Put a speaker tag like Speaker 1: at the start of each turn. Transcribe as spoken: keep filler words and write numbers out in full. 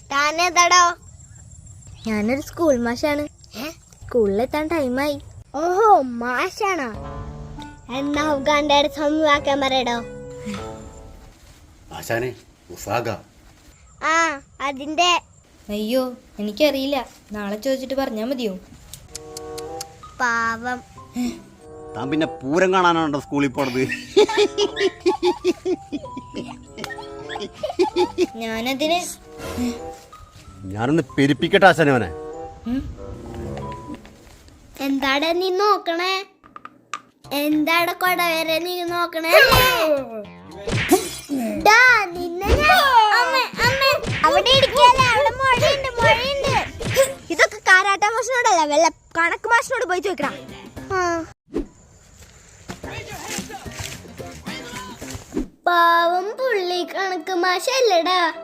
Speaker 1: താനേതാടോ?
Speaker 2: ഞാനൊരു സ്കൂൾ മാഷാണ്. സ്കൂളിലെത്താൻ ടൈമായി.
Speaker 1: ഓഹോ, മാഷാണോ? എന്നാ ഉഗാന്റെ സമവാക്യം പറയടോ.
Speaker 3: ആശാനെ, ഉസാഗ.
Speaker 1: ആ, അതിന്റെ.
Speaker 2: അയ്യോ, എനിക്കറിയില്ല. നാളെ ചോദിച്ചിട്ട് പറഞ്ഞാ മതിയോ?
Speaker 1: പാവം.
Speaker 3: താൻ പിന്നെ പൂരം കാണാനാണോ സ്കൂളിൽ പോണത്?
Speaker 2: ഞാനതിന്
Speaker 3: ഞാനൊന്ന് പെരുപ്പിക്കട്ടെ ആശാനെ അവനെ.
Speaker 1: എന്താടാ നീ നോക്കണേ? എന്താടാ കൊട വരെ നീ നോക്കണേ? ഡാ, നിന്നെ ഞാൻ- അമ്മേ, അമ്മേ, അവിടെ ഇരിക്കാല്ലേ, അവിടെ മഴയുണ്ട്, മഴയുണ്ട്.
Speaker 2: ഇതൊക്കെ കാരാട്ട മാഷിനോടല്ല, വല്ല കണക്ക് മാഷിനോട് പോയി ചോദിക്കണം.
Speaker 1: പാവം പുള്ളി കണക്ക് മാഷല്ലടാ.